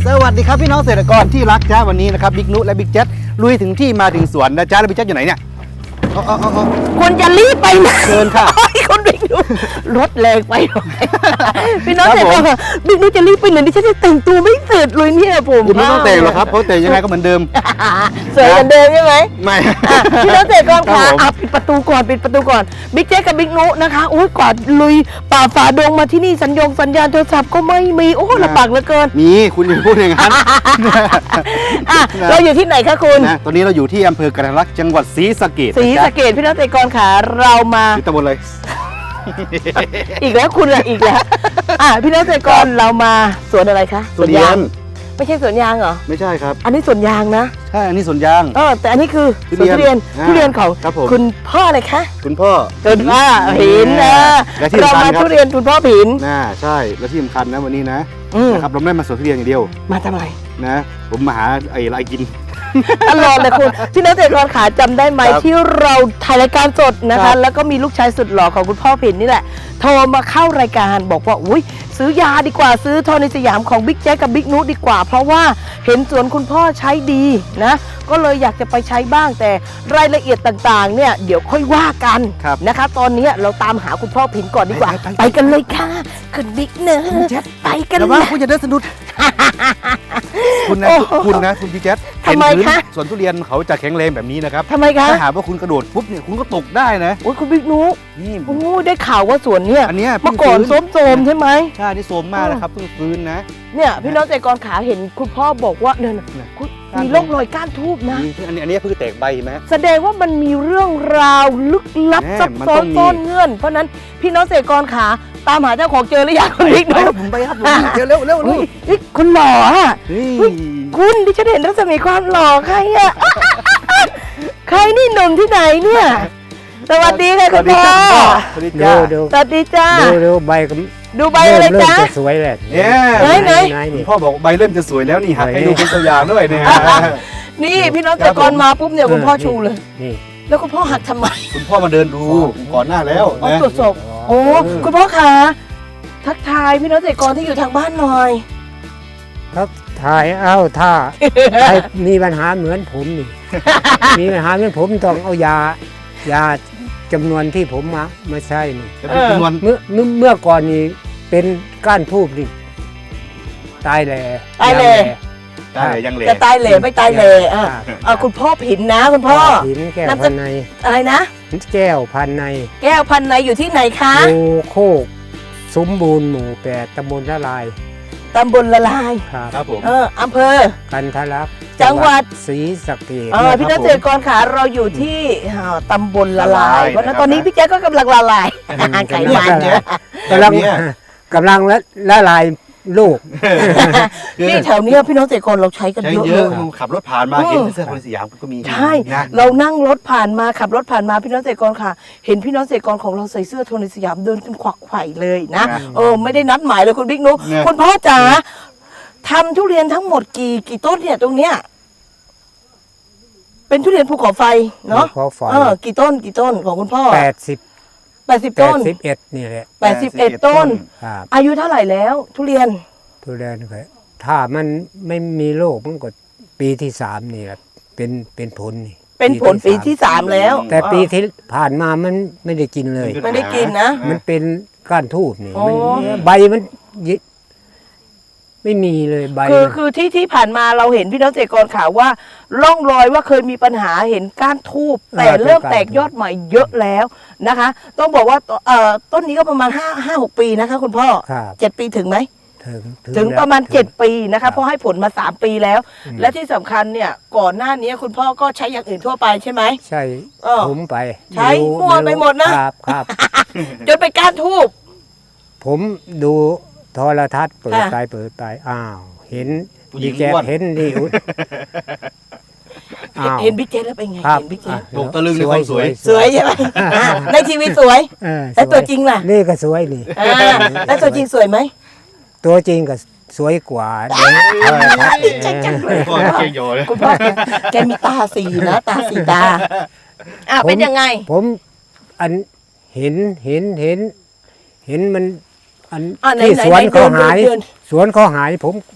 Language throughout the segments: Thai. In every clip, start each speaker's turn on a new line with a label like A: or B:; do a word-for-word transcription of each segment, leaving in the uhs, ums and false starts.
A: สวัสดีครับพี่น้องเกษตรกรที่รักจ้าวันนี้นะครับบิ๊กนุและบิ๊กแจ๊ดลุยถึงที่มาถึงสวนนะจ้าแล้วบิ๊กแจ๊ดอยู่ไหนเนี่ยอ๋ออ๋ออ๋อ
B: ควรจะรีบไปนะ
A: เชิญค่ะ
B: คนบิ๊กนุรถแรงไปพี่น้องเกษตรกรบิ๊กนุจะรีบไปไหนดิฉันจะแต่งตัวไม่เสร็จเลยเนี่ยผม
A: คุณไม่ต้องแต่งหรอกครับเพราะแต่งยังไงก็เหมือนเดิม
B: สวยเหมือนเดิมใช่ไหม
A: ไม่
B: พี่น้องเกษตรกรคะอ่ะปิดประตูก่อนปิดประตูก่อนบิ๊กแจ๊ดกับบิ๊กนุนะคะโอ้ยกว่าลุยป่าฝ่าดงมาที่นี่สัญญงสัญญาณโทรศัพท์ก็ไม่มีโอ้ลำบากเหลือเกิน
A: มีคุณอย่าพูดอย่างนั้น
B: เราอยู่ที่ไหนคะคุณ
A: ตอนนี้เราอยู่ที่อำเภอกระลักจังหวัดศรีสะเกษ
B: ศรีสะเกษพี่น้องเกษตรกรค่ะเรามา
A: ที่ตำบลอะไร
B: อีกแล้วคุณอะอีกแล้วอ่ะพี่น้องเกษตรกรเรามาสวนอะไรคะ
A: สวนยาง
B: ไม่ใช่สวนยางเหรอ
A: ไม่ใช่ครับ
B: อันนี้สวนยางนะ
A: ใช่อันนี้สวนยาง
B: เออแต่อันนี้คือสวนทุเรียนทุเรียนของคุณพ่ออะไรคะ
A: คุณพ่อ
B: คุณพ่อผินนะเรามาทุเรียนคุณพ่อผิน
A: น่าใช่และที่สำคัญนะวันนี้นะนะครับเราไม่มาสวนทุเรียนอย่างเดียว
B: มาทำไม
A: นะผมมาหาไอ้อะไรกิน
B: ตลอดเลยคุณที่นักเตะกรขาจำได้ไหมที่เราถ่ายรายการสดนะคะแล้วก็มีลูกชายสุดหล่อของคุณพ่อผินนี่แหละโทรมาเข้ารายการบอกว่าอุ้ยซื้อยาดีกว่าซื้อทอนิสยามของบิ๊กแจ๊กกับบิ๊กนุดีกว่าเพราะว่าเห็นสวนคุณพ่อใช้ดีนะก็เลยอยากจะไปใช้บ้างแต่รายละเอียดต่างๆเนี่ยเดี๋ยวค่อยว่ากันนะคะตอนนี้เราตามหาคุณพ่อผินก่อนดีกว่าไปกันเลยค่ะคุณบิ๊กเนอไปกันเลย
A: คุณจะเดินสนุกคุณนะคุณนะคุณพี่แจ๊ด
B: ทำไมคะ
A: สวนทุเรียนเขาจะแข็งแรงแบบนี้นะครับ
B: ทำไมคะ
A: ถ้าหากว่าคุณกระโดดปุ๊บเนี่ยคุณก็ตกได้นะ
B: โอ้ยคุณบิ๊กนุนี่โอ้ได้ข่าวว่าสวนเนี่ย
A: อันนี้
B: เมื่อก่อนโซมๆใช่ไหม
A: ใช่นี่โซมมากนะครับเพิ่งฟื้นนะ
B: เนี่ยพี่น้องเกษตรกรขาเห็นคุณพ่อบอกว่าเนี่ยมีร่องรอยก้านทูบนะ
A: อันนี้อันนี้เพิ่งแตกใบไหม
B: แสดงว่ามันมีเรื่องราวลึกลับซับซ้อนซ่อนเงื่อนเพราะนั้นพี่น้องเกษตรกรขาตามหาเจ้าของเจอหรือยังคุณบิ๊กนุ
A: ผมไปครับเร็วเร็วเร็วเร็ว
B: คุณหล่ออ่ะคุณดิฉันเห็นรัศมีความหล่อใครอ่ะใครนี่หนุ่มที่ไหนเนี่ยสวัสดีค่ะคุณพ่อ
A: สวัสดีจ้า
B: สวัสดีจ้า
C: ดูใบ
B: ดูใบอะไรจ้า
C: สวยเลย
A: เนี่ยไหนไหนพ่อบอกใบเริ่มจะสวยแล้วนี่หักให้ดูเป็นตัวอย่างด้วยเนี่ย
B: นี่พี่น้องเกษตรกรมาปุ๊บเนี่ยคุณพ่อชูเลยนี่แล้วคุณพ่อหักทำไม
A: คุณพ่อมาเดินดูก่อนหน้าแล้ว
B: นะตรวจสอบโอ้คุณพ่อคะทักทายพี่น้องเกษตรกรที่อยู่ทางบ้านหน่อย
C: ครับถ่ายเอ้าถ้าใครมีปัญหาเหมือนผมนี่มีปัญหาเหมือนผมต้องเอายายาจำนวนที่ผมมามาใช้นี่
A: จำนวน
C: เมื่อเมื่อก่อนนี้เป็นก้านทูบนี่ตายแหล่
B: ตายแหล่
A: ตายยังแหล่
B: จะตายแหล่ไม่ตายแหล่อ่ะคุณพ่อผินนะคุณพ่อ
C: ผินแก้วพันใน
B: อะไรนะ
C: แก้วพันใน
B: แก้วพันในอยู่ที่ไหนคะ
C: โอโคกสมบูรณ์หมู่แปดตำบลละลาย
B: ตำบลละลาย
A: ครับผม
B: เอออำเภอ
C: กันทะลัก
B: จังหวัด
C: ศรีสะเกษ
B: เออพี่นักเกษตรกรขาเราอยู่ที่ตำบลละลายเพราะนั้นตอนนี้พี่แจ๊คก็กำลังละลายไก่มันเยอะ
C: กำลังกำลังละลายลูก
B: นี่แถวนี้พี่น้องเกษตรกรเราใช้กันเยอะเลย
A: ขับรถผ่านมาเห็นเสื้อคนสยามก็มี
B: ใช่เรานั่งรถผ่านมาขับรถผ่านมาพี่น้องเกษตรกรค่ะเห็นพี่น้องเกษตรกรของเราใส่เสื้อโทนสยามเดินกันขวักไขว่เลยนะเออไม่ได้นัดหมายเลยคุณบิ๊กนุคุณพ่อจ๋าทำทุเรียนทั้งหมดกี่กี่ต้นเนี่ยตรงเนี้ยเป็นทุเรียนภูเขาไฟเนาะเออกี่ต้นกี่ต้นของคุณพ่อ
C: แปดสิบ
B: แปดสิบต้น
C: แปดสิบเอ็ดนี่แหละ
B: แปดสิบเอ็ดต้นอายุเท่าไหร่แล้วทุเรียน
C: ทุเรียนครับถ้ามันไม่มีโรคมันก็ปีที่สามนี่แหละเป็นเป็นผลนี่
B: เป็นผลปีที่สามแล้ว
C: แต่ปีที่ผ่านมามันไม่ได้กินเลย
B: ไม่ได้กินนะ
C: มันเป็นก้านทูบนี่ใบมันไม่มีเลยใบ
B: คือคือที่ที่ผ่านมาเราเห็นพี่น้องเกษตรกรข่าวว่าร่องรอยว่าเคยมีปัญหาเห็นก้านทูบแต่เริ่มแตกยอดใหม่เยอะแล้วนะคะต้องบอกว่าเอ่อต้นนี้ก็ประมาณห้าห้าหกปีนะคะคุณพ่อเจ็ดปีถึงไหมถึงประมาณเจ็ดปีนะคะเพราะให้ผลมาสามปีแล้วและที่สำคัญเนี่ยก่อนหน้านี้คุณพ่อก็ใช้อย่างอื่นทั่วไปใช่ไหม
C: ใช่ผมไป
B: ใช้มั่วไปหมดนะครับ
C: ครับ
B: จนไปก้านทูบ
C: ผมดูโทรทัศน์เปิดไปเปิดไปอ้าวเห็นดีแกเห็นดี
B: เห็นบิ๊กเจแล้วเป็นไงเห็นบิ๊กเจ
A: ตกตะลึงในความสวย
B: สวยใช่ไหมในทีวีสวยแต่ตัวจริงล่ะ
C: นี่ก็สวยนี่
B: แล้วตัวจริงสวยไหม
C: ตัวจริงก็สวยกว่า
B: ดีใจจังเลยคุณพ่อแกมีตาสีนะตาสีตาอ่ะเป็นยังไง
C: ผมอันเห็นเห็นเห็นเห็นมันอันที่สวนเขาหายสวนเขาหายผม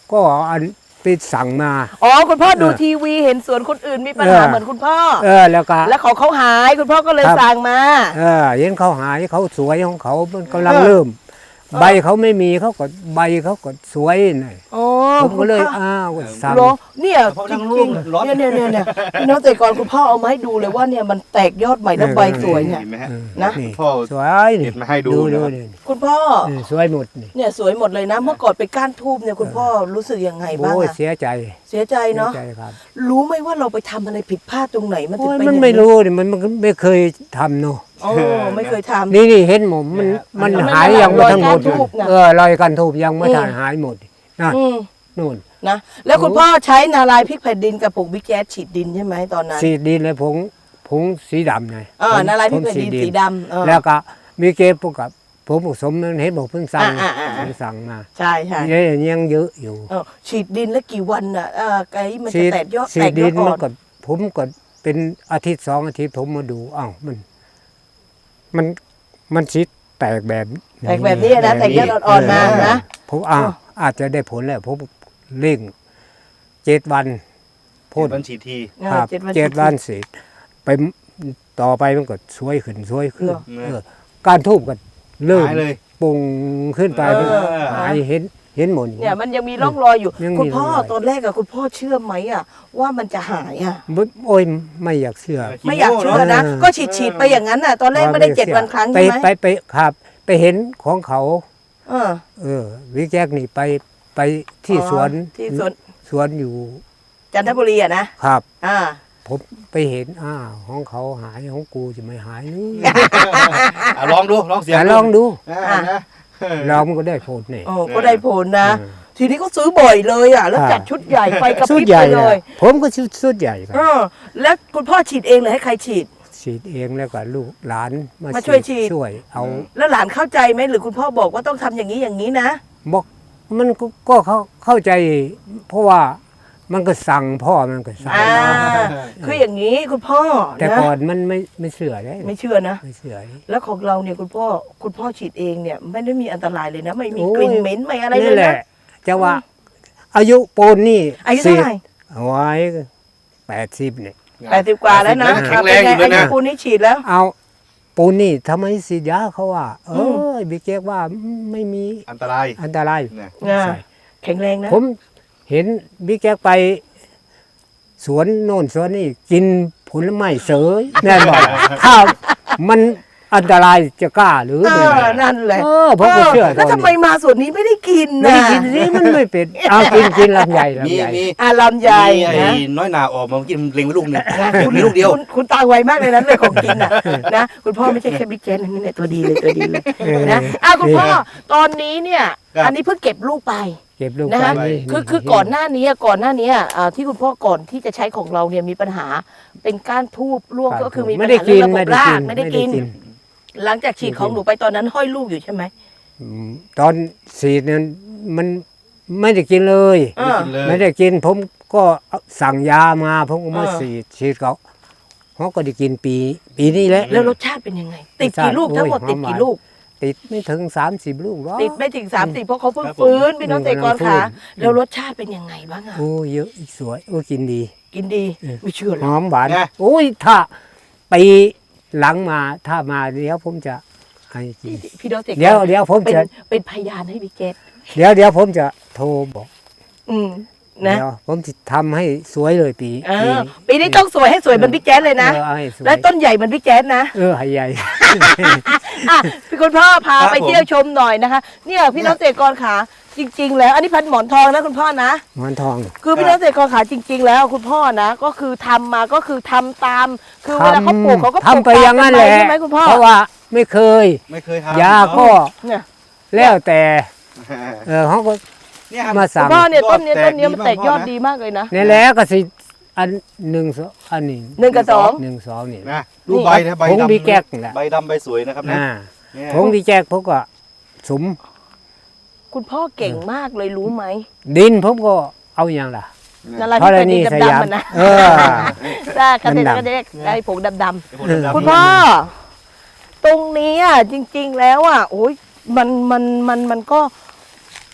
C: ก็อันไปสั่งมา
B: อ๋อคุณพ่อดู
C: เออ
B: ทีวีเห็นสวนคนอื่นมีปัญหา
C: เออ
B: เหมือนคุณพ่อ
C: เออแล้วก็
B: แล้วของเขาหายคุณพ่อก็เลย
C: ครับ
B: สั่งมา
C: เออเห็นเขาหายเขาสวยของเขามันกำลังเริ่ม ใบเขาไม่มีเขาก็ใบเขาก็สวยหน่อย
B: อ๋อ
C: ผมก็เลย
B: คุณพ่อ
C: อ้าวสั่ง
B: เหรอเนี่ย
A: เพราะ
B: จ
A: นั่ง
B: ริง
A: ร้อน
B: ๆเนี่ยเนี่ยเนี่ยเนี่ยพี่น้องแต่ก่อนคุณพ่อเอามาให้ดูเลยว่าเนี่ยมันแตกยอดใหม่แล้ว
C: เออ
B: ใบสวยเนี่ย
A: เห็นไหมฮะ
B: นะ
C: นี่
A: พ่อ
C: สวยนี่
A: เด็ดมาให้ดู
C: ดู
A: นะครับ
C: นี่
B: คุณพ่อ
C: เออสวยหมดนี่
B: เนี่ยสวยหมดเลยนะ เมื่อก่อนไปก้านทูบเนี่ยคุณพ่อรู้สึกยังไงบ้าง
C: โอ้ย
B: อะ
C: เสียใจ
B: เสียใจ
C: เสีย
B: เนาะ
C: ใจครับ
B: รู้ไหมว่าเราไปทำอะไรผิดพลาดตรงไหนมันถึ
C: โอ้
B: ง
C: ย
B: เป็น
C: มัน
B: อย่าง
C: ไม่รู้นี่มันมันไม่เคยทำเนาะ
B: โอ้ไม่เคยทำ
C: นี่นี่เห็นหมมันมัน
B: มัน
C: หายยังไม่ทั้งหมด
B: รอยก้านทูบน่ะ
C: เออรอยกันทูบยังไม่
B: อืม
C: ทันหายหมดนะ
B: อืม
C: นู่น
B: นะแล้วคุณพ่อใช้นาลายพริกแผ่นดินกับผงบิ๊กแจ๊สฉีดดินใช่ไหมตอนนั้น
C: สีดินเลยผงผงสีดำไง
B: เออ
C: ผง
B: นาลายพริก
C: ผง
B: แผ่นดินสีดำเออ
C: แล้วก็มีเก็บพวกกับผมผสมนั้นเห็นบอกเพิ่งสั่ง
B: อ่าอ่าอ่า
C: เพิ่งสั่งมา
B: ใช่ใช่
C: เนี่ยยังเยอะอยู่
B: เออฉีดดินแล้วกี่วันอ่ะเออไก่มัน
C: สี
B: จะแตกยอด
C: สี
B: แตกย
C: ดิ
B: อน ดอ่
C: มั
B: อน น
C: ก็ผมก็เป็นอาทิตย์สองอาทิตย์ผมมาดูอ้าวมัน มันมันชิดแตกแบบ
B: แตกแบบนี้นะแตกยอดอ่อนๆมานะ
C: ผมอ้าวอาจจะได้ผลแล้วผมเร่งเจ็ดวัน
A: พ่น
C: พ่น
A: วันฉีดที
B: เออ
C: ครับ
B: เจ็ดวัน
C: เจ็ด
B: ฉีด
C: วันเสร็จไปต่อไปมันก็ช่วยขึ้นช่วยขึ้น
B: เหรอ
C: เออการทูบก็เริ่ม
A: หายเลย
C: ปุ่งขึ้นไป
B: เออ
C: หายเห็นเห็นหมด
B: เนี่ยมันยังมีร่องรอยอยู่
C: ยังมี
B: คุณพ่อ
C: ร่องรอย
B: ตอนแรกอะคุณพ่อเชื่อไหมอะว่ามันจะหายอะ
C: บ่โอ้ยไม่อยากเชื่อ
B: ไม่อยากเชื่อนะ
C: เออ
B: ก็ฉีดฉีดๆไปอย่างนั้นอะตอนแรกไม่ได้เจ็ดวันครั้ง
C: ไป
B: ใช่ไหม
C: ไปไปครับ ไปเห็นของเขา
B: เออ
C: เออ วิกแจ็คนี่ไปไปที่
B: อ๋อ
C: สวน
B: ที่สวน
C: สวนอยู่
B: จันทบุรีอะนะครับ อ่า
C: ผมไปเห็นอ้าวของเขาหายของกูจะไม่หายนี่
A: อ่ะลองดูลองเสียง
C: แต่ลองดู
A: อ่านะ
C: เรามันก็ได้ผลนี่
B: โอ้ก็ได้ผลนะ
C: เออ
B: ทีนี้ก็ซื้อบ่อยเลยอะแล้ว
C: ครับ
B: จัดชุดใหญ่ไฟกระพ
C: สุด
B: ริบ
C: ใหญ่
B: ไปเลย
C: อะผมก็ชุดสุดใหญ่ครับ
B: เออแล้วคุณพ่อฉีดเองเลยให้ใครฉีด
C: ฉีดเองแล้วก็ลูกหลาน
B: มาช่วยฉีด
C: ช่วยเอา
B: แล้วหลานเข้าใจไหมหรือคุณพ่อบอกว่าต้องทำอย่างนี้อย่างนี้นะ
C: บอกมันก็ก็เข้าเข้าใจ เพราะว่ามันก็สั่งพ่อมันก็สั่ง
B: อ่า คืออย่างนี้คุณพ่อ
C: แต่
B: นะ
C: ก่อนมันไม่ไม่เชื่อได้
B: ไม่เชื่อนะ
C: ไม่เชื่อ
B: แล้วของเราเนี่ยคุณพ่อคุณพ่อฉีดเองเนี่ยไม่ได้มีอันตรายเลยนะ ไม่มี
C: โอ้ย
B: กลิ่นเหม็นไม่อะไรเล
C: นี่
B: ย
C: แห
B: นะ
C: ละจะว่า อายุปูนนี่
B: อายุเท่าไหร่
C: เอาไว้แปดสิบเนี่ย
B: แปดสิบกว่าแล้วนะ
A: แข็งแรงอยู่
B: เป็
A: เล
B: น
A: ย
B: ไงอายุ
A: นะ
B: ปูนนี้ฉีดแล้ว
C: เอาปูนนี่ทำไมสีดยาเขาว่า เอ
B: อื
C: อบิ๊กเจ๊กว่าไม่มี
A: อันตราย
C: อันตราย
A: เนี่ย
B: อ่า
C: ใช่
B: แข็งแรงนะ
C: ผมเห็นบิ๊กแจ๊กไป สวนโน่นสวนนี่กินผลไม้เสยแน่นอนถ้ามันอันตรายจะกล้าหรือ
B: เอ
C: ไม่
B: อนั่นแหละ
C: เออผมก็เชื่อ
B: แล้วทำไมมาส่วนนี้ไม่ได้กิน
C: ไม่
B: นะ
C: ได้กินสิมันไม่เป็นเอากินกินลำใหญ่
A: มี
C: ลำใหญ่
A: มี
B: อ่าลำไย
A: มีไอ้
B: นะ
A: น้อยหนาออกมาเมื่อกี้มันเล็งไว้ลูกหนึงมีลูกเดียว
B: คุณคุณตาไวมากเลยนะเรื่องของกินน่ะนะคุณพ่อไม่ใช่แค่บิ๊กแจ๊สนะนี่เนี่ยตัวดีเลยตัวดีเลย
C: เออ
B: นะอ่ะคุณพ่อตอนนี้เนี่ย
A: ครับ
B: อันนี้เพิ่งเก็บลูกไป
C: เก็บลูก
B: นะคะ
C: ไปนี่
B: คือคือก่อนหน้านี้ก่อนหน้านี้อ่าที่คุณพ่อก่อนที่จะใช้ของเราเนี่ยมีปัญหาเป็นก้านทูบร่วงก็คือมีปั
C: ไม่
B: ญ
C: ได้
B: หา
C: กิ
B: เรื่อน งระบ
C: ไม่
B: บ
C: ได้
B: รา
C: กิ
B: ก
C: น
B: ไม่ได้กิน หลังจากฉีดของหนูไปตอนนั้นห้อยลูกอยู่ใช่ไหม
C: อืมตอนสีดนั้นมันไม่ได้กินเลย
B: เออ
A: กินเลย
C: ไม่ได้กิน ผมก็สั่งยามาผมก็มา
B: เออ
C: ฉีดฉีดเขาเขาก็ได้กินปี ปีนี้แหละ
B: แล้วรสชาติเป็นยังไง ติดกี่ลูก
C: โอ้ย
B: ทั้งหมด
C: หอม
B: ติดกี่
C: หวาน
B: ลูก
C: ติดไม่ถึงสามสิบลูกหรอก
B: ติดไม่ถึงสามสิบเพราะเขาเพิ่ง
A: ครับผม
B: ฟื้นพี่น้องเตะกร
C: ฟื้
B: ค่ะ
C: น
B: แล้วรสชาติเป็นยังไงบ้างอ่ะ
C: โอ้เยอะสวยโอ้กินดี
B: กินดี
C: เออ
B: ไม่เชื่อหร
C: ห
B: อก
C: อมหวาน
A: ไง
C: โอ้ยถ้าปีหลังมาถ้ามาเดี๋ยวผมจะให้กิน
B: พี่น้องเตะกร
C: เดี๋ยวเดี๋ยวผม
B: เป็น
C: จะ
B: เป็นพยานให้พี่เกต
C: เดี๋ยวเดี๋ยวผมจะโทรบอก
B: อืมนะ
C: เดี๋ยวผมจะทำให้สวยเลยปี
B: เออปีนี้ต้องสวยให้สวยเหมือนพี่แจ๊สเลยนะ
C: เออเอาให้สวย
B: และต้นใหญ่เหมือนพี่แจ๊สนะ
C: เออให้ใหญ่
B: อ่ะพี่คุณพ่อพา
A: ครับ
B: ไป
A: ผม
B: เที่ยวชมหน่อยนะคะ เนี่ยพี่น้องเตะกรขาจริง ๆ แล้วอันนี้พันหมอนทองนะคุณพ่อนะ
C: หมอนทอง
B: คือพี่น้องเตะกรขาจริง ๆ แล้วคุณพ่อนะ ก็คือทำมาก็คือทำตาม คือเวลาเขาปลูกเขาก็ปลูก
C: ทำไปอย่างนั้นแหละ
B: ใช่ไหมคุณพ่อ
C: เพราะว่าไม่เคย
A: ไม่เคยทำ
C: ยาก็
B: เนี่ย
C: แล้วแต่เออเขาก็
A: เนี่ยครับ
C: มา
B: คุ
C: สั่
B: ณ
C: ง
B: พ่อเนี่ยต้นเนี้ย
A: ยอด
B: ต้นเนี้ยมัน
A: แต
B: แต
A: ก
B: ก
A: ดี
B: ย
A: มาก
B: อดดีมากเลยนะ
C: นี่แหล้วก็สิอันหนึ่งสองอันนี้
B: หนึ่งกับสอง
C: หนึ่งสองนี่
A: นะดูใบนะใบ
C: ผง
A: ดำ
C: ดีแก๊กนี่แหละ
A: ใบดำใบสวยนะครับนะ
C: อ่า
A: เนี่ย
C: ผงดีแก๊กผมก็สม
B: คุณพ่อเก่งมากเลยรู้ไหม
C: ดินผมก็เอาอย่างล่ะ
B: นั่นแหละ
C: ธ
B: ที่
C: ร
B: เป็น
C: ณี
B: ดิน
C: ส
B: ดำ
C: ยาม
B: ๆมันนะ
C: เออ
B: ได้กระเด็น
C: ดำๆ
B: กระเด็นได้ผงดำ
A: ไอ้พวกดำๆ
B: ๆคุณพ่อ ตรงนี้อ่ะจริง ๆ แล้วอ่ะโอ้ยมันมันมันมันก็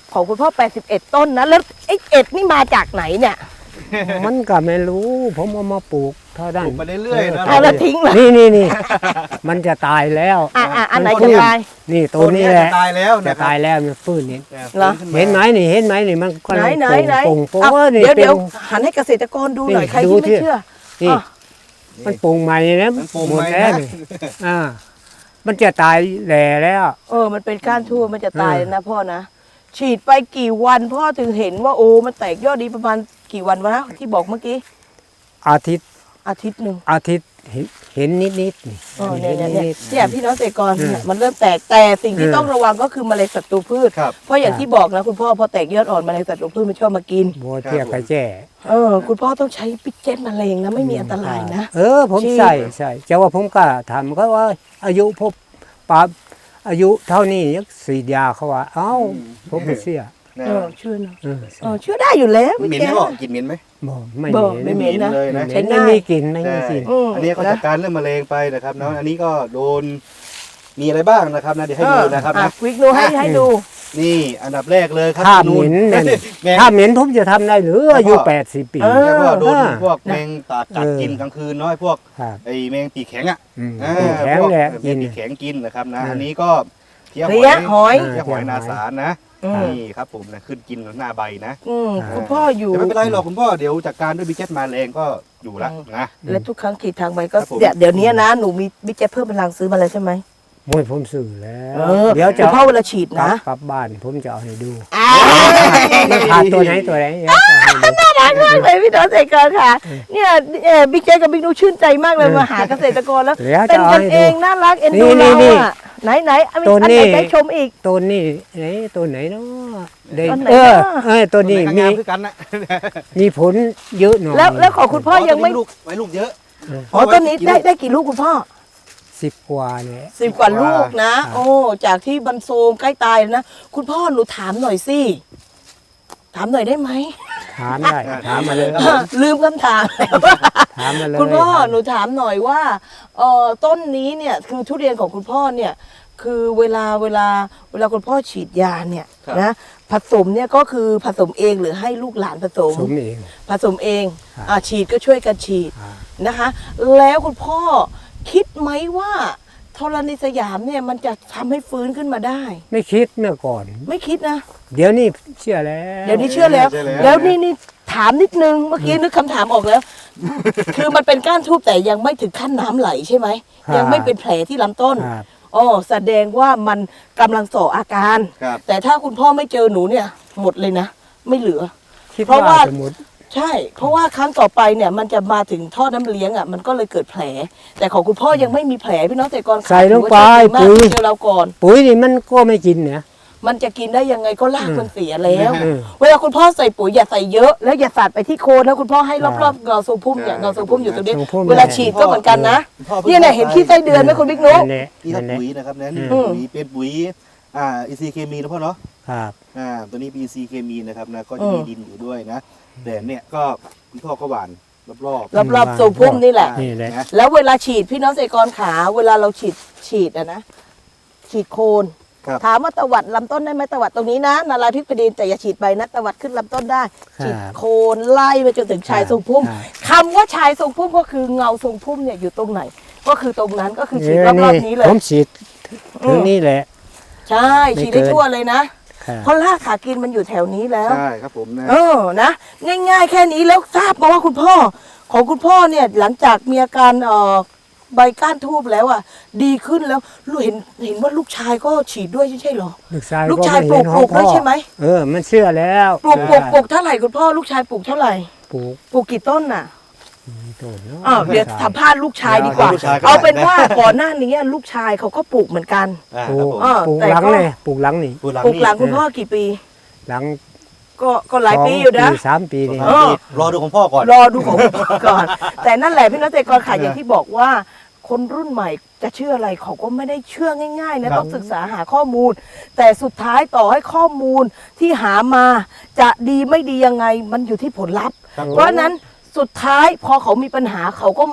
B: ของคุณพ่อแปดสิบเอ็ดต้นนะแล้วไอ้เอ็ดนี่มาจากไหนเนี่ย
C: มันก็ไม่รู้ ผมเอามาปลูกเท่า
A: ป
C: นั้น
A: ลูกมาเรื่อยๆนะ
B: เอาแล้วทิ้งเหรอ
C: นี่นี่นี่ มันจะตายแล้ว
B: อ่ะอ่ะอันไหน
C: มั
B: จะ
C: ฟื้
B: ตาย
C: นี่ตั
A: ตัว ว
C: นี้
A: นี้
C: แหละ
A: จะตายแล้ว
C: จะ
A: นะครับ
C: ตายแล้วมันฟื้นนี่
B: เหรอ
C: เห็นไหมนี่เห็นไหมนี่มันก็
B: ไหนไหนไหน
C: โป่งโป่ง
B: เอา
C: โป่งนี่
B: เดี๋ยว
C: เป็
B: เดี๋ย
C: น
B: วหันให้เกษตรกรดูหน่อย
C: นี่
B: ใคร
C: ดู
B: ที่ไม่
C: ที่
B: เชื่อ
C: นี่
B: อ่ะ
C: มันปลูงใหม่นะ
A: มันปลูก
C: หมด
A: ใหม่
C: แล้ว
A: นะ
C: นี่อ่ามันจะตายแหล่แล้ว
B: เออมันเป็นก้านทั่วมันจะตาย
C: เออ
B: นะพ่อนะฉีดไปกี่วันพ่อถึงเห็นว่าโอ้มันแตกยอดดีประมาณกี่วันวะนะที่บอกเมื่อกี้
C: อาทิตย์
B: อาทิตย์หนึ่ง
C: อาทิตย์เห็นเห็นนิดนิดๆนี่
B: เออเนี่ย
C: เห็น
B: เนี่ย
C: นิ
B: เนี่ย
C: ด
B: เนี่ยพี่น้องเกษตรกร
C: อืม
B: เนี่ยมันเริ่มแตกแต่สิ่งที่
C: อืม
B: ต้องระวังก็คือแมลงศัตรูพืช
A: ครับ
B: เพราะอย่างที่บอกนะคุณพ่อพอแตกยอดอ่อนแมลงศัตรูพืชมันชอบมากิน
C: ๆบัวเทียบกับแจ้
B: เออคุณพ่อต้องใช้ปิกเจ็ตแมลงนะไม่มีอันตรายนะ
C: เออผม
B: ฉีด
C: ใส่ใส่จะว่าผมก็ทำก็ว่าอายุพบปาอายุเท่านี้ยังสีดยาเขาว่า เอ้าผมไม่เสีย
A: นะ
B: เออเชื่อนะ
C: เออ
B: เออเชื่อได้อยู่แล้ว
A: เหม็น
B: แก
A: ไหมบอกกินเหม็นไหม
C: บอกไม่
B: บอก
C: เห
B: ไม่
C: ม็น
B: เหม็นนะ
A: เลยนะ
B: ใช้
C: ไม่
B: ง่าย
C: มีกลิ่นไม่มีกลิ่น
B: อืม
A: อันนี้ก็จัดการเรื่องมะเร็งไปนะครับเนาะอันนี้ก็โดนมีอะไรบ้างนะครับนะเดี๋ยวให้ดูนะครับ
B: อ่
A: นะ
B: วิกดูให้ให้ดู
A: นี่อันดับแรกเลยครับ
C: ถ้า
A: นู
C: เหม็นเนี่ย
A: แมง
C: ถ้าเหม็นผมจะทำได้หรืออายุ
A: แล้วก็
C: แปดสิบปี
B: เออ
A: แล้วก็โดน
C: อ่า
A: พวกแมงตากัด
C: เออ
A: กินกลางคืนเนาะไอ้พวก
C: ครับ
A: ไอ้แมงปีกแข็งอ่ะ
C: อืม
A: อ่า
C: แข็ง
A: พวก
C: แหละ
A: แม
C: กิ
A: ง
C: น
A: ปีกแข็งกินนะครับนะ
C: อืม
A: อันนี้ก็เพี้ย
B: เพลี้ยหอย
A: เพี้ยหอยนาสารนะ
B: อืม
A: นี่ครับผมนะขึ้นกินหน้าใบนะ
B: อืมคุณพ่ออยู่
A: แต่ไม่เป็นไรหรอกคุณพ่อเดี๋ยวจัดการด้วยบิเจ็ตมาแรงก็อยู่ละนะ
B: และทุกครั้งขีดทางไปก็
A: ครับผม
B: เดี๋ยวเดี๋ยวนี้นะหนูมีบิ๊กเจ็ตเพิ่มพลังซื้อมาเลยใช่ไหม
C: มวยผมสื่อแล้ว
B: เออ
C: เดี๋ยวจะ
B: คุณพ่อเวลาฉีด
C: กลั
B: นะ
C: บกลับบ้านผมจะเอาให้ดู
B: อ่า
C: มันขาดตัวไหนตัวไหนเดี๋ยวจะให้ดู
B: น่ารักมากเลยพี่น้องเกษตรกรค่ะ เนี่ยเอ่อบิ๊กเจ็ตกับบิ๊กนูชื่นใจมากเลย
C: เออ
B: มาหาเกษตรกรแล้ว
C: เดี๋ยว
B: เป็
C: จะ
B: น
C: เอา
B: กัน
C: ให้
B: เอ
C: ดู
B: งน่ารักเอ็นดู
C: นี่
B: เรา
C: นี่
B: อ่ะไหนไหนอัน
C: ตัว
B: อัน
C: นี้
B: ไหนได้ชมอีก
C: ตัวนี้ไหนตัวไหนเนาะได้
B: ตัวไหน
C: เออ
B: เนาะ
C: เออตัวนี้
A: ไห
C: มี
A: งามคือกันนะ
C: มีผลเยอะหน่อย
B: แล้วแล้วของคุณพ่อยังไม่
A: ลูกไว้ลูกเยอะ
B: อ๋อต้นนี้ได้ได้กี่ลูกคุณพ่อ
C: สิบกว่าเนี่ย
B: สิบกว่าลูกนะ
C: ครับ
B: โอ้จากที่บันโซมใกล้ตายนะคุณพ่อหนูถามหน่อยสิถามหน่อยได้ไหม
C: ถามได้ถามมาเลย
A: ครับผม
B: ลืมคำถามแล้ว
C: ถามมาเลย
B: คุณพ่อหนูถามหน่อยว่าเอ่อต้นนี้เนี่ยคือทุเรียนของคุณพ่อเนี่ยคือเวลาเวลาเวลาคุณพ่อฉีดยาเนี่ย
A: ครับ
B: นะผสมเนี่ยก็คือผสมเองหรือให้ลูกหลานผสม
C: สมเอง
B: ผสมเอง
C: ครับ
B: อ่าฉีดก็ช่วยกันฉีด
C: อ่า
B: นะคะ แล้วคุณพ่อคิดไหมว่าธรณีสยามเนี่ยมันจะทำให้ฟื้นขึ้นมาได้
C: ไม่คิดเมื่อก่อน
B: ไม่คิดนะ
C: เดี๋ยวนี้เชื่อแล้ว
B: เดี๋ยวนี้เชื่อแล้ว
A: เชื่อแล้ว
B: แล้วนี่นี่ถามนิดนึงเมื่อกี้นึกคำถามออกแล้ว คือมันเป็นก้านทูบแต่ยังไม่ถึงขั้นน้ำไหลใช่ไหมยังไม่เป็นแผลที่ลำต้น
C: ครับ
B: อ๋อแสดงว่ามันกำลังส่ออาการ
A: ครับ
B: แต่ถ้าคุณพ่อไม่เจอหนูเนี่ย หมดเลยนะ ไม่เหลือ
C: คิด
B: เพราะ
C: ว่า
B: ว่า
C: สมมติ
B: ใช่ เพราะว่าครั้งต่อไปเนี่ยมันจะมาถึงท่อน้ำเลี้ยงอ่ะมันก็เลยเกิดแผล แต่ของคุณพ่อยังไม่มีแผลพี่น้องเกษตรกร
C: ใส่ลงไป
B: ถือว่าโชคดีมาก
C: ปุ๋ย
B: ที่เจอเราก่อน
C: ปุ๋ยนี่มันก็ไม่กินเนี่ย
B: มันจะกินได้ยังไงก็รากมันเสียแล้ว
C: อืม
B: เวลาคุณพ่อใส่ปุ๋ยอย่าใส่เยอะแล้วอย่าสาดไปที่โคนนะคุณพ่อให้รอบๆเงาทรงพุ่มเนี่ย
A: ใช่
B: เงาทรงพุ่มอยู่ตรงนี้
C: ทรงพุ่ม
B: เวลาฉีดก็เหมือนกันนะ
A: พ่อพิ่ง
B: เนี่ยเนี่ยเห็นขี้ไส้เดือนไหมคุณบิ๊กนุ๊ก
C: นั่นแหละ
A: นี่ครั
C: นั่
A: บ
C: นแหละ
A: ปุ๋ยนะครับนะนี่
B: อืม
A: ปุ๋ยเป็นปุ๋ยอ่าอินทรีย์เคมีนะพ่อเนาะ
C: ครับ
A: อ่าตัวนี้เป็นอินทรีย์เคมีนะครับนะก็จะมีดินอยู่ด้วยนะแต่เนี่ยก็คุณพ่อก็หว่านรอบๆ
B: รอบๆทรงพุ่มนี่แหละ
C: นี่แหละ
A: นะ
B: แล้วเวลาฉีดพี่น้องเกษตรกรขาเวลาเราฉีดฉีดอะนะฉีดโคน
A: ครับ
B: ถามว่าตวัดลำต้นได้ไหมตวัดตรงนี้นะนาราธิบดีนแต่อย่าฉีดไปนะตวัดขึ้นลำต้นได้ ฉีดโคนไล่ไปจนถึงชายทรงพุ่ม
C: ครับ
B: คำว่าชายทรงพุ่มก็คือเงาทรงพุ่มเนี่ยอยู่ตรงไหน ก็คือตรงนั้นก็คือฉีด
C: เ
B: รอบๆนี้เลย
C: ผมฉีดถึงนี่แหละ
B: ใช่ฉีดได้ทั่วเลยนะ
C: ครับ
B: เพราะรากขากินมันอยู่แถวนี้แล้ว
A: ใช่ครับผมนะ
B: เออนะง่ายๆ แค่นี้แล้วทราบมาว่าคุณพ่อ ของคุณพ่อเนี่ยหลังจากมีอาการเอ่อใบก้านทูบแล้วอ่ะดีขึ้นแล้วลูกเห็นเห็นว่าลูกชายก็ฉีดด้วยใช่เหรอ
C: ลูกชาย
B: ลูกชาย
C: ไม่เห็น
B: ปลูก
C: ของ
B: ปลูกด้วยใช่ไหม
C: เออ มันเชื่อแล้ว
B: ปลูกปลูกปลูกเท่าไหร่คุณพ่อลูกชายปลูกเท่าไหร่
C: ปลูก
B: ปลูกกี่ต้นน่ะ
C: ต้นเนาะ
B: อ้าวเดี๋ยวสัมภาษณ์ลูกชายดีกว่า
A: ลูกชายก็
B: เอาเป็น
A: ได้นะ
B: ว่าก่อนหน้านี้ลูกชายเขาก็ปลูกเหมือนกัน
A: อ่า
C: ปลู
A: ครับผม
C: กปลูก
B: แต่
C: หลัง
B: ก็
C: เลยปลูกหลังนี่
A: ปลูกหลัง
B: ปลูก
A: นี่
B: หลังคุณพ่อกี่ปี
C: หลัง
B: ก็ก็หลายปีอยู่นะ
C: สงสามปีนี่
A: ปลูกหลังนี่รอดูของพ่อก่อน
B: รอดูของก่อน แต่นั่นแหละพี่น้องเกษตรกรขายอย่างที่บอกว่า คนรุ่นใหม่จะเชื่ออะไรเขาก็ไม่ได้เชื่อง่ายๆนะครับ ต้องศึกษาหาข้อมูล แต่สุดท้ายต่อให้ข้อมูลที่หามาจะดีไม่ดียังไงมันอยู่ที่ผลลัพธ์
A: ครับ
B: เพราะฉะนั้นสุดท้ายพอเขามีปัญหาเขาก็มาห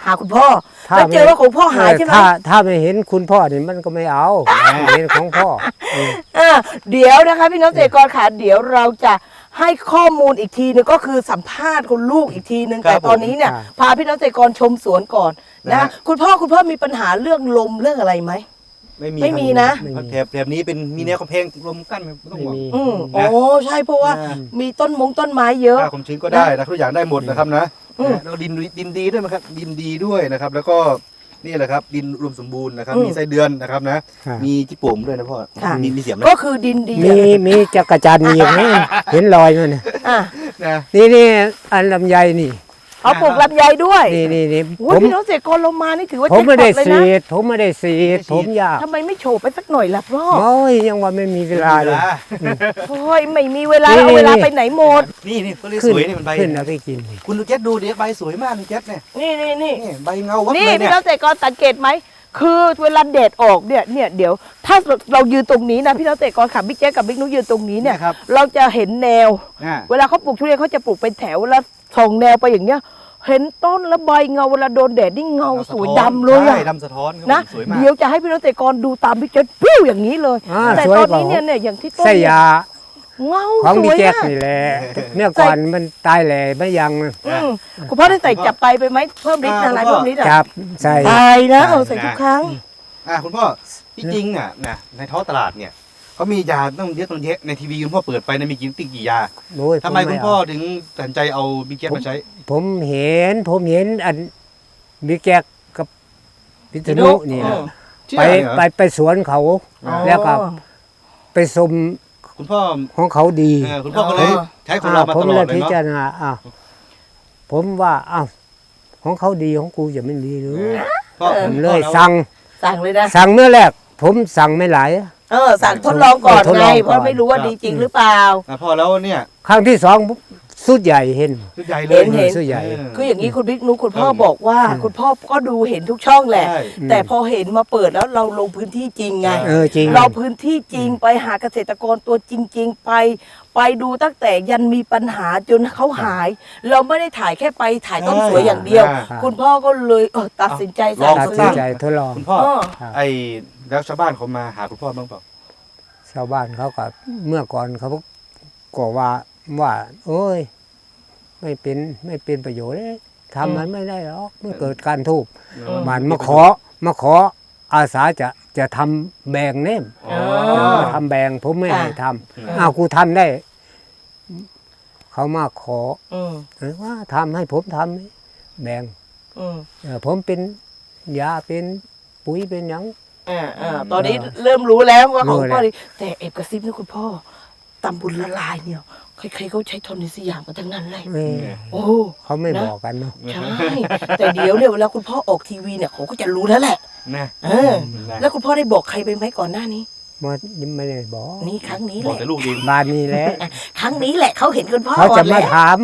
B: หาคุณพ่อ
C: ถ้า
B: แล้วเจอว่าของพ่อหายใช่ไหม
C: ถ้าถ้าไม่เห็นคุณพ่อนี่มันก็ไม่เอาไม่เห็นของพ่อเออ
B: อ่าเดี๋ยวนะคะพี่น้องเกษตรกรค่ะเดี๋ยวเราจะให้ข้อมูลอีกทีนึงก็คือสัมภาษณ์คุณลูกอีกทีนึง
A: ครับ
B: แต่ตอนนี้เนี่ย
C: ผม
B: พาพี่น้องเกษตรกรชมสวนก่อน
A: นะ
B: นะ
A: ฮะ
B: คุณพ่อคุณพ่อมีปัญหาเรื่องลมเรื่องอะไรไหม
A: ไม่มี
B: ไม่มีนะ
C: ไม่มี
A: แถบแถบนี้เป็นมีแนวกำแพงลมกั้นไม่ต้อง
C: ไม่
A: ห่วง
C: มี
B: อืม
A: นะ
B: โอ้ใช่เพราะว่า
A: อ่า
B: มีต้นมงต้นไม้เยอะ
A: ค่าความชื้นก็ได้นะทุกอย่างได้หมดนะครับนะ
B: อืม
A: แล้วดินดินดีด้วยนะครับดินดีด้วยนะครับ แล้วก็นี่แหละครับดินรวมสมบูรณ์นะครับ
B: อืม
A: มีไส้เดือนนะครับนะ
C: ครับ
A: มีจิโป่มด้วยนะพ่อ
B: ค่ะ
A: มีมีเสียมไหม
B: ก็คือดินดี
C: มีมีจักรจันทร์มีอย่างนี้เห็นรอยมันน่ะ
B: อ่ะ
A: นะ
C: นี่นี่อันลำไยนี่
B: เอาปลูกลำไยด้วย
C: นี่นี่นี่
B: โอ้ย
C: ผม
B: พี่น้องเกษตรกรลงมานี่ถือว่า
C: ผมไม่ได้
B: แจ็คพอตเลย
C: สี
B: นะ
C: ดผมไม่ได้สีดผมอยาก
B: ทำไมไม่โฉบไปสักหน่อยล่ะพ่อ
C: โอ้ยยังว่าไม่มีเวลาเลย
B: โอ้ยไม่มีเวลา
C: นี่
B: เอาเวลา
C: นี่
B: ไปไหนหมด
A: นี่นี่ก็เลย
C: ขึ้
A: ส
C: น
A: วยนี่มันใบ
C: ขึ้นเอาไปกินนี่
A: คุณดูเจ็ดดูดิใบสวยมากคุณเจ็ดเนี่ย
B: นี่นี่นี่
A: นี่ใบเงาวับ
B: นี่
A: เลย
B: พี่
A: เนี่ย
B: น้องเกษตรกรสังเกตไหมคือเวลาแดดออกเนี่ยเนี่ยเดี๋ยวถ้าเรายืนตรงนี้นะพี่น้องเกษตรกรขับบิ๊กแจ๊กกับบิ๊กนุ้ยยืนตรงนี้เนี่ย
A: ครับ
B: เราจะเห็นแนว
A: อ่า
B: เวลาเขาปลูกทุเรียนเขาจะปลูกเป็นแถวแล้วส่องแนวไปอย่างเงี้ย เห็นต้นแล้วใบเงาเวลาโดนแดดนี่เงาสวยดำเลย
A: ใช่
B: อะ
A: ดำสะท้อนครับ
B: นะ
A: สวยมาก
B: เดี๋ยวจะให้พี่น้องเกษตรกรดูตามบิ๊กแจ๊กปิ้วอย่างนี้เลย
C: อ่า
B: แต่
C: สวย
B: ตอน
C: กว่า
B: นี้เนี่ยเนี่ยอย่างที่ต้น
C: ไส้
B: เนี่ย
C: ยา
B: เงา
C: ของ
B: ส
C: ดี
B: วย
C: แจ็ค
B: มาก
C: นี่แหละเมื่อก่อนมันตายแหล่ไม่ยัง
B: อืมคุณพ่อได้ใส่จับไปไปไหมเพิ่มฤทธิ์อะไรเพิ่มฤทธิ์อะ
C: จับใส่
B: ใส่นะเอาใส่ทุกครั้ง
A: อ่าคุณพ่อที่จริงอ่ะนะในท้องตลาดเนี่ยเขามียาต้องเยอะต้องเยอะในทีวีคุณพ่อเปิดไปนะมีกี่ติ๊กกี่ยา
C: โอ้ย
A: ทำไม
C: ผ
A: คุณ
C: เา
A: พ่อถึงตัดสินใจเอาบิ๊กแจ๊มาใช้
C: ผมเห็น ผมเห็นอันบิ๊กแจ็คกับพิษณุเนี่ย
B: อ๋อ
A: เชื่อ
C: ไป
A: เหรอ
C: ไปไปสวนเขา
A: อ๋อ
C: แล้วก็ไปสม
A: คุณพ่อ
C: ของเขาดี
A: เออคุณพ่อก็เลย
B: อ๋อ
A: ใช้ของเรามา
C: ผม
A: ตลอ
C: เล
A: ด
C: ย
A: เลย
C: พิ
A: เนาะ
C: จารณาอ้าวผมว่าอ้าวของเขาดีของกูจะไม่ดีหรือ
A: พ่อ
C: ผมเลย
A: พ่อ
C: สั่ง
B: สั่งเลยนะ
C: สั่งเมื่อแรก ผมสั่งไม่หลาย
B: เออสั่งทดลองก่อน
C: ทด
B: ไง
C: ลองก่อน
B: เพราะไม่รู้ว่าดีจริงหรือเปล่า
A: อ่ะพ่อแล้วเนี่ย
C: ครั้งที่สองสุดใหญ่เห็น
A: ชุดใหญ่เล
B: เห็
A: ย
B: นเห็น
C: สุดใหญ่
B: คืออย่างนี้คุณบิ๊กนุกคุณพ่อ
A: เออ
B: บอกว่า
C: อืม
B: คุณพ่อก็ดูเห็นทุกช่องแหละ
A: ใช่
B: แต่พอเห็นมาเปิดแล้วเราลงพื้นที่จริงไง
C: เออจริง
B: เราพื้นที่จริงไปหาเกษตรกรตัวจริง ๆ ไป ไปดูตั้งแต่ยันมีปัญหาจนเขาหาย เราไม่ได้ถ่ายแค่ไปถ่ายต้นสวยอย่างเดียว
A: อ่า
B: คุณพ่อก็เลยเออตัดสินใจ
A: ลอง
B: สั่
C: ตัด
B: ง
C: สิน
B: ซื้อ
C: ใจทดลอง
A: คุณพ่อ
B: เออ
C: ครับ
A: ไอ้แล้วชาวบ้านเขามาหาคุณพ่อบ้างเปล่า
C: ชาวบ้านเขาก็เมื่อก่อนเขาก็ว่าว่า โอ้ย ไม่เป็นไม่เป็นประโยชน์เลยทำมันไม่ได้หรอกมันเกิดการทุกข์
B: อืม
C: มันมาขอมาขออาสาจะจะทำแบ่งเน่ม
A: อ๋อ
C: มาทำแบ่งผมไม่ให้ท
A: อ่า
C: ำอ้าวกูทำได้ เขามาขอ
B: อืม
C: เออว่าทำให้ผมทำแบ่ง
B: อืม
C: เออผมเป็นยาเป็นปุ๋ยเป็นหยัง
B: อ่าอ่าตอนนี้เริ่มรู้แล้วว่าของ
C: รู้แล้ว
B: พ่อดีแต่เอบกระซิบนะคุณพ่อตำบุญละลายเนี่ยใครๆเขาใช้ทนในสยามกันทั้งนั้นเลย
C: เออ
B: โอ้
C: เขาไม่
B: นะ
C: บอกกันเนาะ
B: ใช่ แต่เดี๋ยวเนี่ยเวลาคุณพ่อออกทีวีเนี่ยเขาก็จะรู้แล้วแหละ
A: นะ
B: เออ แล้วคุณพ่อได้บอกใครไปไหมก่อนหน้านี้
C: มันไม่ได้บอก
B: นี่ครั้งนี้
A: บ
B: แห
A: อก
B: ละ
A: แต่ลูกเอง
C: บ้านนี้แหละ
B: ครั้งนี้แหละเขาเห็นคุณพ่อ
C: เขา
B: ก่
C: จะ
B: อน
C: มา
B: แล้ว
C: ถาม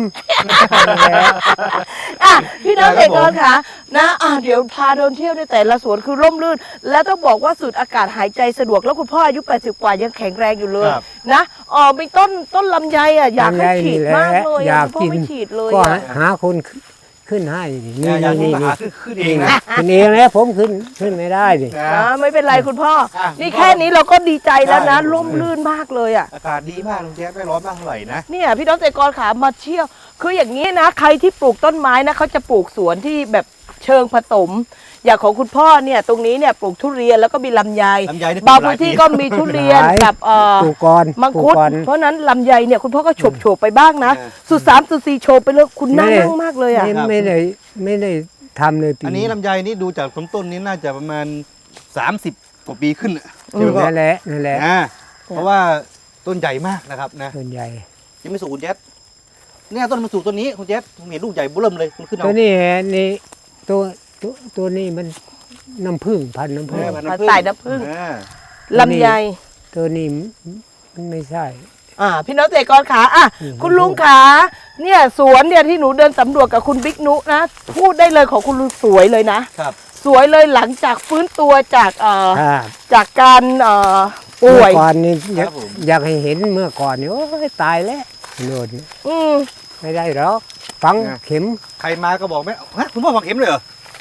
B: อ่ะพี่น้องเกษตรกรค่ะนะอ่ะเดี๋ยวพาเดินเที่ยวในแต่ละสวนคือร่มรื่น และต้องบอกว่าสูดอากาศหายใจสะดวกแล้วคุณพ่ออายุแปดสิบกว่ายังแข็งแรงอยู่เลย
A: ครับ
B: นะอ๋อมีต้นต้นลำไยอ่ะอยากให้
C: ลำไย
B: ฉีด
C: นี่แหละ
B: มากเลย
C: อยาก
B: คุณพ่อ
C: กิน
B: ไม่ฉีดเลย
C: ก็
B: อ่ะ
C: หาคนขึ้นให้นี่
A: อยาก
C: นี่
A: ให้
C: นี่
A: มา
C: นี่
A: หาขึ้นขึ้นเองนะ
C: ขึ้นเองแล้วผมขึ้นขึ้นไม่ได้ดิ
A: นะ
B: อ่าไม่เป็นไรคุณพ่อ
A: อ่ะ
B: นี่
A: คุณพ่อ
B: แค่นี้เราก็ดีใจแล้วนะ
A: ใช่
B: ร่มรื่นมากเลยอ่ะ
A: อากาศดีมากลุงแจ๊คไม่ร้อนมากเท่าไหร่นะ
B: เนี่ยพี่น้องเกษตรกรขามาเที่ยว คืออย่างนี้นะ ใครที่ปลูกต้นไม้นะเขาจะปลูกสวนที่แบบเชิงผสม อย่างของคุณพ่อเนี่ยตรงนี้เนี่ยปลูกทุเรียนแล้วก็มีลำไย
A: ลำไยนี่
B: บาง
A: ปลูกหลาย
B: พื้นที่
A: ปี
B: ก็มีทุเรียน
C: หลาย
B: กับเอ่อ
C: ปลูกก่อน
B: มัง
C: ปลู
B: คุ
C: ก
B: ด
C: ก่อน
B: เพราะนั้นลำไยเนี่ยคุณพ่อก็โฉบโฉบๆไปบ้างนะ
A: เออ
B: สุดสามสุดสี่โฉบไปเลยคุณน่า
C: ไม่ได้
B: นั่งมากเลยอ่ะ
C: ไม่ไม่ได้ไม่ได้ทำเลยปี
A: อันนี้ลำไยนี่ดูจากต้นต้นนี้น่าจะประมาณสามสิบกว่าปีขึ้นน่ะใช่ไหมพ่อ
C: นั่นแหละนั่นแหละ
A: อ่าเพราะว่าต้นใหญ่มากนะครับนะ
C: ส่วนใหญ่
A: ยังไม่สูงคุณแจ๊ดเนี่ยต้นมันสูงต้นนี้คุณแจ๊ดผมเห็นลูกใหญ่เบิ่มเลยมันขึ้นเอา
C: ตัวนี้นี่ตัวตัวตัวนี้มันน้ำผึ้งพันธุ์น้ำผึ้ง
A: เออพัน
B: พันธุ์สายน้ำผึ้ง
A: อ่า
B: ลำไย
C: ตัวนี้มันไม่ใช่
B: อ่าพี่น้องเกษตรกรขาอ่ะ
C: อืม
B: คุณลุงขาเนี่ยสวนเนี่ยที่หนูเดินสำรวจกับคุณบิ๊กนุนะพูดได้เลยของคุณลุงสวยเลยนะ
A: ครับ
B: สวยเลยหลังจากฟื้นตัวจากเอ่อ
C: ครับ
B: จากการเอ่อป่
C: เมื่
B: ว
C: อย ก่อนนี่อยาก
A: ครับผม
C: อยากให้เห็นเมื่อก่อนนี่โอ้ยตายแล้วโน่น
B: อืม
C: ไม่ได้หรอกฝังเข็ม
A: ใครมาก็บอกไม่ฮะคุณพ่อฝังเข็มเลยเหรอ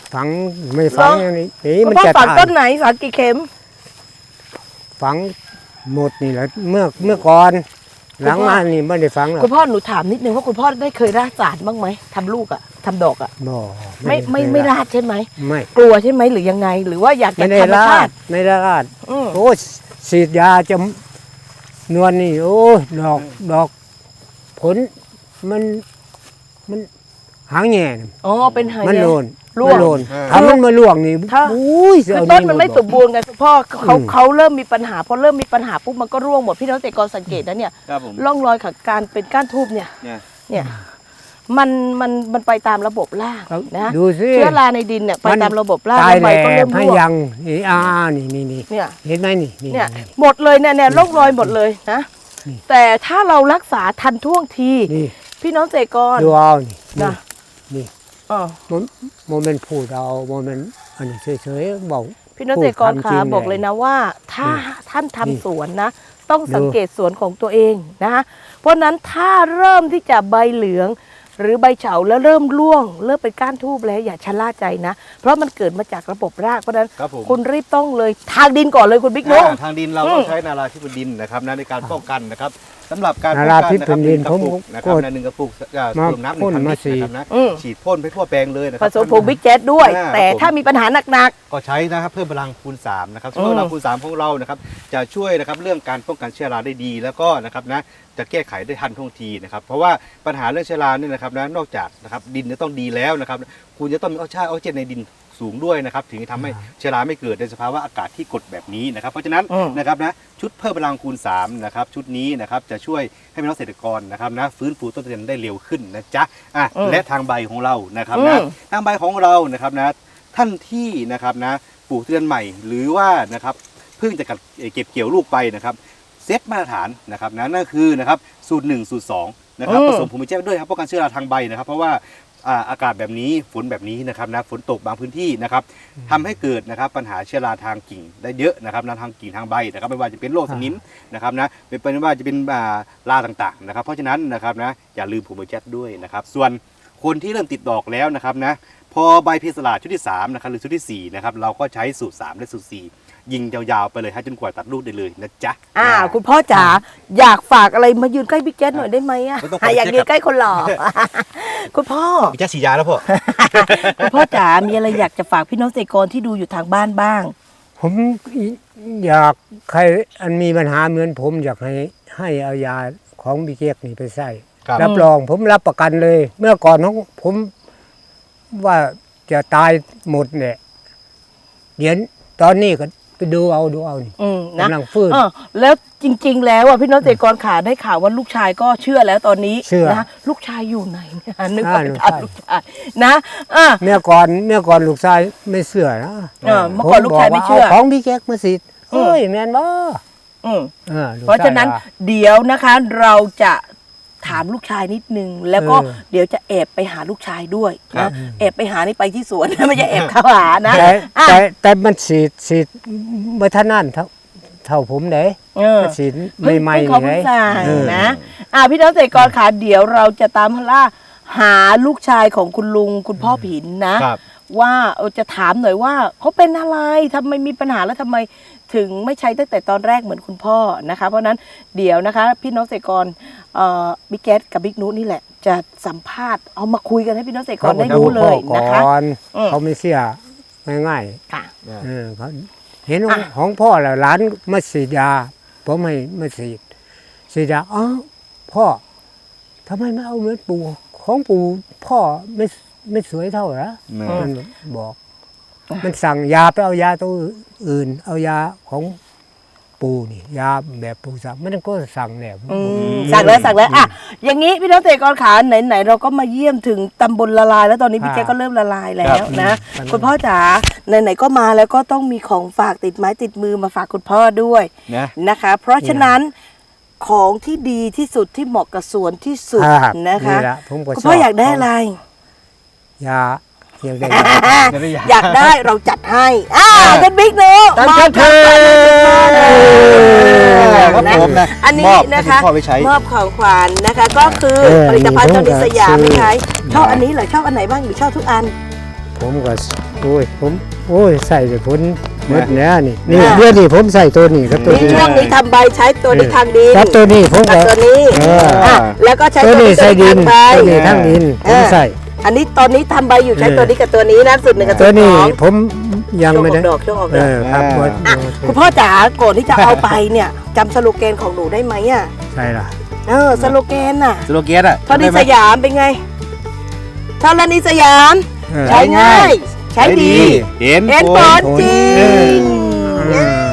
C: ฝังไม่ฝังอย่างนี้นี่
B: คุณ
C: มัน
B: พ่อ
C: จะ
B: ฝัง
C: ตาย
B: ต้นไหนฝังกี่เข็ม
C: ฝังหมดนี่แหละเมื่อเมื่อก่อนหลังมานี่ไม่ได้ฝังหรอก
B: คุณพ่อหนูถามนิดนึงว่าคุณพ่อได้เคยราดสารบ้างไหมทำลูกอะทำดอกอะ
C: บ่
B: ไม่ไม่ไม่ราดใช่ไหม
C: ไม่
B: กลัวใช่ไหมหรือยังไง หรือว่าอยาก
C: ไม่
B: จะ
C: ได้
B: ธรรม
C: รา
B: ชา
C: ด
B: ติ
C: ไม่ได้ราด
B: อืม
C: โอ้ฉีดยาจะนวลนี่โอ้ดอกดอกผลมันมันหางแง่
B: อ๋อเป็นหาย
C: มัน
B: แย่
C: โลน
B: ร่วง
C: มันโลนถ้ามันมาล่วงนี่
B: ถ้า
C: อุ้ย
B: คือ
C: เอา
B: ต้นมันไม่
C: า
B: ส
C: บอก
B: มบูรณ์ไงคุณพ่อเขา
C: อืม
B: เขาเริ่มมีปัญหาพอเริ่มมีปัญหาปุ๊บมันก็ร่วงหมดพี่น้องเกษตรกรสังเกตนะเนี่ย
A: ครับผม
B: ร่องรอยของการเป็นก้านทูบเนี่ย
A: เนี่ย
B: เนี่ยมันมันมันไปตามระบบราก
C: เอา
B: นะ
C: ดูสิ
B: เชื้อราในดินเนี่ยไป
C: มัน
B: ตามระบบราก
C: ตาย
B: แล้วใบ
C: แล้
B: ก็เริ่
C: ว
B: ม
C: ให้
B: ร่วง
C: ยังนี่อ่านี่นี่นี่
B: เนี่ย
C: เห็นไหมนี่นี่
B: เนี่ยหมดเลยเนี่ยเนี่ยร่องรอยหมดเลยนะ
C: นี่
B: แต่ถ้าเรารักษาทันท่วงที
C: นี่
B: พี่น้องเกษตรกร
C: ดูเอานี่
B: นะ
C: นี่
B: อ๋อ
C: มันโมเมนต์พูดเอาโมเมนต์อันนี้เฉยๆบอก
B: พี่น้องเกษตรกร
C: พูด
B: ขา
C: ทำจริง
B: บอกเลยนะว่า ถ้า
C: นี่
B: ท่านทำ
C: นี่
B: สวนนะ ต้อง
C: ดู
B: สังเกตสวนของตัวเองนะคะเพราะฉะนั้นถ้าเริ่มที่จะใบเหลือง หรือใบเฉาแล้วเริ่มร่วง เริ่มเป็นก้านทูบแล้วอย่าชะล่าใจนะ เพราะมันเกิดมาจากระบบรากเพราะฉะนั้น
A: ครับผม
B: คุณรีบต้องเลยทางดินก่อนเลยคุณบิ๊กนุ๊ก
A: อ่าทางดินเรา
B: อื
A: ต้อ
B: ม
A: งใช้นาราธิบดินนะครับนะในการป้องกันนะครับสำหรับการป้อง
C: นารา
A: กัน
C: ธิ
A: นะ
C: บ
A: ครับ
C: ดิน
A: หนึ่งกระปุก
C: ผม
A: นะครับ
C: กด
A: ในหนึ่งกระปุกอ่า
C: มา
A: เติมน้ำหนึ่
C: พ่
A: ง
C: น
A: พัน
C: มา
A: ลิตร
C: สี่
A: นะครับนะ
B: อืม
A: ฉีดพ่นไปทั่วแปลงเลยนะค
B: ผ
A: รับ
B: สมผงบิ๊กแจ๊ดด้วย
A: อ่า
B: แต่
A: ครับผม
B: ถ้ามีปัญหาหนัก
A: ก็ใช้นะครับเพิ่มพลังคูณสามนะครับ
B: อืม
A: เพิ่มพลังคูณสามของเรานะครับจะช่วยนะครับเรื่องการป้องกันเชื้อราได้ดีแล้วก็นะครับนะจะแก้ไขได้ทันท่วงทีนะครับเพราะว่าปัญหาเรื่องเชื้อราเนี่ยนะครับนะนอกจากนะครับดินจะต้องดีแล้วนะครับคุณจะต้องมีออกซิเจนออกซิเจนในดินสูงด้วยนะครับถึงจะทำให้เชื้อราไม่เกิดในสภาวะอากาศที่กดแบบนี้นะครับเพราะฉะนั้น
B: อืม
A: นะครับนะชุดเพิ่มพลังคูณสามนะครับชุดนี้นะครับจะช่วยให้พี่น้องเกษตรกรนะครับนะฟื้นฟูต้นทุนได้เร็วขึ้นนะจ๊ะอ่ะ
B: อืม
A: และทางใบของเรานะครับ
B: อื
A: นะ
B: ม
A: ทางใบของเรานะครับนะท่านที่นะครับนะปลูกทุเรียนใหม่หรือว่านะครับเพิ่งจะเก็บเกี่ยวลูกไปนะครับเซตมาตรฐานนะครับนะนั่นคือนะครับสูตรหนึ่งสูตรสองนะครับ
B: อืม
A: ผสมภูมิแจ้ด้วยครับป้องกันเชื้อราทางใบนะครับ เพราะว่าอ่าอากาศแบบนี้ฝนแบบนี้นะครับนะฝนตกบางพื้นที่นะครับทำให้เกิดนะครับปัญหาเชื้อราทางกิ่งได้เยอะนะครับนะทางกิ่งทางใบนะครับไม่ว่าจะเป็นโรคสนิมนะครับนะเป็นไม่ว่าจะเป็นอ่าราต่างๆนะครับ เพราะฉะนั้นนะครับนะอย่าลืมภูมิแจ้ด้วยนะครับส่วนคนที่เริ่มติดดอกแล้วนะครับนะพอใบเพสลาชุดที่สามนะครับหรือชุดที่สี่นะครับเราก็ใช้สูตรสามและสูตรสี่ยิงยาวๆไปเลยให้จนกว่าตัดลูกได้เลยนะจ๊ะ
B: ๆอ่า คุณพ่อจ๋าอยากฝากอะไรมายืนใกล้บิ๊กแจ๊ดหน่อยได้ไหมอ่ะ
A: ไม่ต้อง
B: อ่ะอยากยืนใกล้คนหล่อ คุณพ่อ
A: พี่แจ๊ฉีดยาแล้วพ่อ
B: คุณพ่อจ๋ามีอะไรอยากจะฝากพี่น้องเกษตรกรที่ดูอยู่ทางบ้านบ้าง
C: ผมอยากใครอันมีปัญหาเหมือนผมอยากให้ให้เอายาของบิเกกนี่ไปใส่
A: ครับ
C: รับรองผมรับประกันเลย เมื่อก่อนของผมว่าจะตายหมดเนี่ยเดี๋ยวตอนนี้ก็ไปดูเอาดูเอานี่
B: อืมนะ
C: กำลังฟื้น
B: เออแล้วจริง ๆ แล้วอ่ะพี่น้องเกษตรกรขาได้ข่าวว่าลูกชายก็เชื่อแล้วตอนนี้
C: เชื่อ
B: นะลูกชายอยู่ไหนเนี่ยนึกว่า
C: อ่า
B: ไปถาม
C: ลู
B: ลู
C: ก
B: ก
C: ชา
B: ชาย ยนะอ่ะ
C: เมื่อก่อนเมื่อก่อนลูกชายไม่เชื่อนะ
B: เออเมื่อก่อนลูกชายไม่เชื่อ
C: ผบกว่ของบิเกกมาสิ
B: อืม
C: เฮ้ยแม่นบ่
B: อืม
C: ออลูกชย
B: เพราะฉะนั้น
C: ว่
B: เดี๋ยวนะคะเราจะถามลูกชายนิดนึง แล้วก็
C: เออ
B: เดี๋ยวจะแอบไปหาลูกชายด้วย
A: ครั
B: นะ
A: บ
B: แอบไปหานี่ไปที่สวน นะไม่ใช่แอบเข้าหานะ
C: แต่
B: อ่ะ
C: แต่แต่มันฉีดฉีดเมื่อท่านั่นเท่าเท่าผมเด้
B: เออ
C: มันฉีด
B: เพิ่ง
C: ใหม่
B: เพิ่ง
C: ๆ
B: เขา
C: นี่
B: เพิ่ง
C: ไง
B: สั่ง
C: เออ
B: นะอ่ะพี่น้องเกษตรกรขาเดี๋ยวเราจะตามล่าหาลูกชายของคุณลุงคุณพ่อผินนะ
A: ครับ
B: ว่าเออจะถามหน่อยว่าเขาเป็นอะไรทำไมมีปัญหาแล้วทำไมถึงไม่ใช้ตั้งแต่ตอนแรกเหมือนคุณพ่อนะคะ เพราะฉะนั้นเดี๋ยวนะคะ พี่น้องเกษตรกรเอ่อบิ๊กแก๊สกับบิ๊กนุนี่แหละ จะสัมภาษณ์เอามาคุยกันให้พี่น้องเกษตรกรได้รู้เลย
C: ก่
B: นะคะ
C: อน
B: อืม
C: เขาไม่เชื่อง่าย
B: ค่ะ
C: ๆเออเขาเห็น
B: อ่ะ
C: ของพ่อแล้วหลานมาฉีดยาผมให้มาฉีดฉีดยาอ๋อพ่อทำไมไม่เอาเหมือนปู่ของปู่พ่อไม่ไม่สวยเท่าเหรอ
A: แม่
C: มันบอก มันสั่งยาไปเอายาตัวอื่น เอายาของปู่นี่ยาแบบปู่สั่งมันก็สั่งแนว
B: อืมสั่งแล้วสั่งแล้วอ่ะอย่างนี้พี่น้องเกษตรกรขาไหนๆเราก็มาเยี่ยมถึงตำบลละลาย แล้วตอนนี้พี่แจ๊คก็เริ่มละลายแล้วนะ คุณพ่อจ๋าไหนๆก็มาแล้วก็ต้องมีของฝากติดไม้ติดมือมาฝากคุณพ่อด้วย
A: นะ
B: นะคะ เพราะฉะนั้นของที่ดีที่สุดที่เหมาะกับสวนที่สุด
C: รับ
B: นะคะ
C: แหลผมก็
B: คุณ
C: ช
B: พ่ออยากได้อะไร
C: ยาอยากได้
A: ไม่ได้ยา
B: อยากได้เราจัดให้อ่าท่านบิ๊กเนอะ
A: ท่าน
B: มอบ
A: เชิญ
B: ของขวัญให้คุณพ่อเลย
A: ครับผมนะ
B: อันนี้
A: มอบ
B: นะคะ
A: ให้คุณพ่อไปใช้
B: มอบของขวัญนะคะ ก็คือ
C: เออ
B: ผลิตภัณฑ์จอนิสยาม
C: ซื้อ
B: ไหมคะชอบอันนี้เหรอชอบอันไหนบ้างหรือชอบทุกอัน
C: ผผมก็โอ้ยผมโอ้ยใส่ไปผลหมด
A: นะ
C: แล้วนี่นี่
B: อ่า
C: เดือนนี้ผมใส่ตัวนี้กับตัว
B: นี่
C: นี้
B: ช่วงนี้ทำใบใช้ตัวนี้ทางดิน
C: กับตัวนี้ผม
B: กับ
C: ก็
B: ตัวนี้
C: เออ
B: อ่ะแล้วก็ใช้
C: ตัว
B: ตัว
C: นี้
B: นี้
C: ใส่ดิน
B: ทางใบ
C: ตัวนี้ทั้งดินผมใส่
B: อันนี้ตอนนี้ทำใบอยู่ใช้
C: เออ
B: ตัวนี้กับตัวนี้นะสุดหนึ่งกับ
C: ตั
B: ตัว ว
C: นี้
B: สอง
C: ผมยัง
B: ช่วง
C: ไม่
B: ออ
C: ได้
B: กดอกช่วงออก
C: เอ
B: ดอก
C: อครับ
A: อ่า
B: อ่ะคุณพ่อจ๋าก่อนที่จะเอาไปเนี่ยจำสโลแกนของหนูได้ไหมอ่ะ
C: ใช่ล่ะ
B: เออสโลแกนน่ะ
A: สโลแกนอ่ะ
B: ธรณี
A: ได้ไหม
B: สยามเป็นไงธรณีสยาม
C: เออ
B: ใช้ง่าย ใช้ดี
A: เห็น
B: เห็นผลจริ
C: เออ
B: ง
C: อืม